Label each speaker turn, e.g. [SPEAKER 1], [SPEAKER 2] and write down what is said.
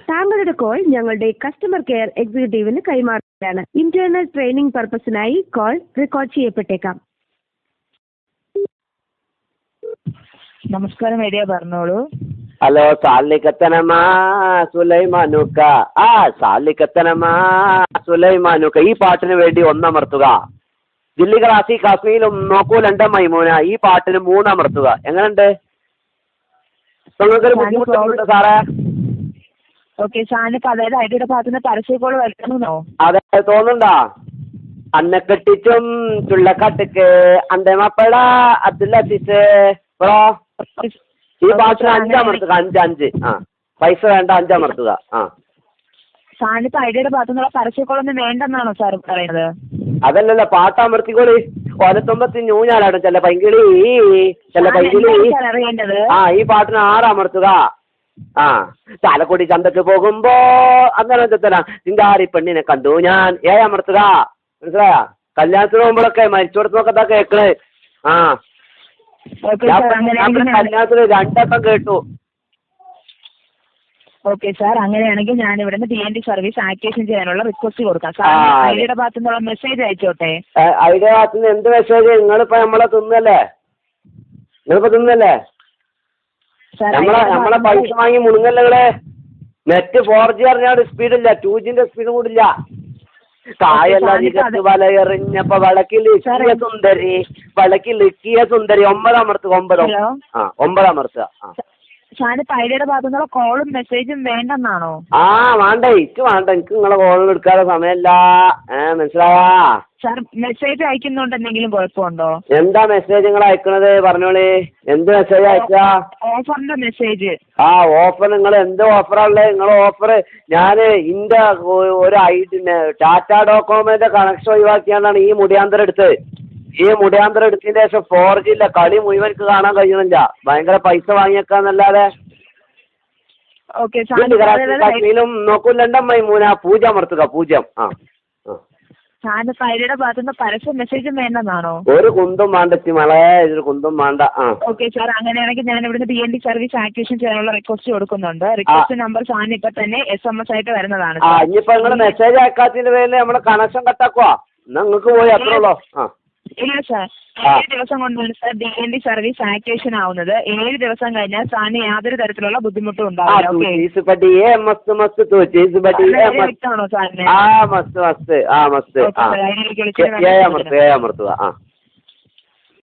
[SPEAKER 1] താങ്കളുടെ കോൾ ഞങ്ങളുടെ customer care എക്സിക്യൂട്ടീവിന് കൈമാറുകയാണ്. ഇന്റേണൽ ട്രെയിനിംഗ് പർപ്പസിനായി കോൾ റെക്കോർഡ് ചെയ്യപ്പെട്ടേക്കാം.
[SPEAKER 2] നമസ്കാരം, ഐഡിയ പറഞ്ഞോളൂ.
[SPEAKER 3] ഹലോ, സാലിക്കത്തനമാ സുലൈമാനുക്ക. സാലിക്കത്തനമാ സുലൈമാനുക്ക. ഈ പാട്ടിന് വേണ്ടി ഒന്നമർത്തുക. ദില്ലി ക്ലാസി കാശ്മീരും നോക്കൂലുണ്ട് മൈമൂന. ഈ പാട്ടിന് 3 അമർത്തുക. എങ്ങനെയുണ്ട്? നിങ്ങൾക്കൊരു ബുദ്ധിമുട്ടുണ്ട് സാറേ?
[SPEAKER 2] ഓക്കെ, സാറിന് അതായത് ഐഡിയുടെ ഭാഗത്തുനിന്ന് പരസ്യക്കോൾ വരണമെന്നോ?
[SPEAKER 3] അതെ, തോന്നുന്നുണ്ടാ? അന്നെ കെട്ടിച്ചും ചുള്ളക്കാട്ടുക്ക് അന്റെ മപ്പട അബ്ദുല്ലീസ് ബ്രോ. ഈ പാട്ടിന് 5 അമർത്തുക. 5 പൈസ വേണ്ട, 5 അമർത്തുക.
[SPEAKER 2] സാറിനിപ്പോ ഐഡിയുടെ ഭാഗത്തുനിന്നുള്ള പരസ്യക്കോളൊന്നും വേണ്ടെന്നാണോ സാർ പറയുന്നത്?
[SPEAKER 3] അതല്ലല്ലോ, പാട്ട് അമർത്തിക്കോളി. കൊലത്തുമ്പത്തി ഞൂഞ്ഞാലാടും ചെല്ല പൈങ്കിളി ചെല്ല പൈങ്കിളി. ഈ പാട്ടിന് 6 അമർത്തുക. ചാലക്കുടി ചന്തക്ക് പോകുമ്പോ അങ്ങനെ ചിങ്കാരി പെണ്ണിനെ കണ്ടു ഞാൻ. 7 അമർത്തുക. മനസ്സിലായ? കല്യാണത്തിന് പോകുമ്പോഴൊക്കെ മരിച്ചോടത്തൊക്കെ കേക്കണ്. കല്യാണത്തിന് 2 വട്ടം കേട്ടു.
[SPEAKER 2] ഓക്കെ സാർ, അങ്ങനെയാണെങ്കിൽ ഞാൻ ഇവിടുന്ന് DND സർവീസ് ആക്ടിവേഷൻ ചെയ്യാനുള്ള റിക്വസ്റ്റ് കൊടുക്കാം. സാർ ഐഡിയുടെ ഭാഗത്തു നിന്നുള്ള മെസ്സേജ് അയച്ചോട്ടെ.
[SPEAKER 3] ഐഡിയുടെ ഭാഗത്തു നിന്ന് എന്ത് മെസ്സേജ്? നിങ്ങളിപ്പോ നമ്മളെ തിന്നല്ലേ? നമ്മളെ പൈസ വാങ്ങി മുണുങ്ങല്ലേ നിങ്ങള്? നെറ്റ് 4G അറിഞ്ഞാൽ സ്പീഡില്ല, 2Gന്റെ സ്പീഡ് കൂടില്ല. കായല്ല നികത്ത് വലയെറിഞ്ഞപ്പോ വളക്കിലിക്കിയ സുന്ദരി 9 അമർത്തുക. 9 അമർത്തുക.
[SPEAKER 2] ഷാനിപ്പ ഐഡിയുടെ ഭാഗത്തുനിന്നുള്ള കോളും മെസ്സേജും വേണ്ടെന്നാണോ?
[SPEAKER 3] വേണ്ട, എനിക്ക് വേണ്ട. എനിക്ക് നിങ്ങളെ കോളും എടുക്കാതെ സമയമല്ല. മനസ്സിലായാ?
[SPEAKER 2] സാർ മെസ്സേജ് അയക്കുന്നുണ്ട് എന്തെങ്കിലും കുഴപ്പമുണ്ടോ?
[SPEAKER 3] എന്താ മെസ്സേജ് നിങ്ങൾ അയക്കണത്? പറഞ്ഞോളി. എന്ത് മെസ്സേജ് അയച്ചാ?
[SPEAKER 2] ഓഫറിന്റെ മെസ്സേജ്.
[SPEAKER 3] ഓഫർ. നിങ്ങൾ എന്ത് ഓഫറാണുള്ളത്? നിങ്ങൾ ഓഫർ ഞാൻ ഇന്റെ ഒരു ടാറ്റ ഡോകോമോന്റെ കണക്ഷൻ ഒഴിവാക്കിയാണ്ടാണ് ഈ മുടിയാന്തരം എടുത്തത്. ഈ മുടിയാന്തരം എടുത്തതിന് ശേഷം 4G ഇല്ല. കളി മുഴുവൻ കാണാൻ കഴിയുന്നില്ല. ഭയങ്കര പൈസ വാങ്ങിയേക്കാന്നല്ലാതെ. കാശ്മീരും നോക്കൂലണ്ട മൈമൂന. 0 അമർത്തുക. 0.
[SPEAKER 2] ഐഡിയുടെ ഭാഗത്തുനിന്ന് പരസ്യ മെസ്സേജും വേണ്ടെന്നാണോ?
[SPEAKER 3] ഒരു കുന്തും വേണ്ടെത്തി മളെ, ഒരു കുന്തും വേണ്ട.
[SPEAKER 2] ഓക്കെ സാർ, അങ്ങനെയാണെങ്കിൽ ഞാൻ ഇവിടുന്ന് DND സർവീസ് ആക്ടിവേഷൻ ചെയ്യാനുള്ള റിക്വസ്റ്റ് കൊടുക്കുന്നുണ്ട്. റിക്വസ്റ്റ് നമ്പർ സാറിന് ഇപ്പൊ തന്നെ SMS ആയിട്ട് വരുന്നതാണ്.
[SPEAKER 3] ഇനിയിപ്പോ നിങ്ങൾ മെസ്സേജ് അയക്കാത്തതിന്റെ പേരിൽ നമ്മള് കണക്ഷൻ കട്ടാക്കുവാ. എന്നാ നിങ്ങൾക്ക് പോയി അത്രേ ഉള്ളൂ.
[SPEAKER 2] ഇല്ല സാർ, 7 ദിവസം കൊണ്ടാണ് സാർ DND സർവീസ് ആക്ടിവേഷൻ ആവുന്നത്. 7 ദിവസം കഴിഞ്ഞാൽ സാറിന് യാതൊരു തരത്തിലുള്ള ബുദ്ധിമുട്ടും ഉണ്ടാവില്ല.
[SPEAKER 3] മസ്ത്.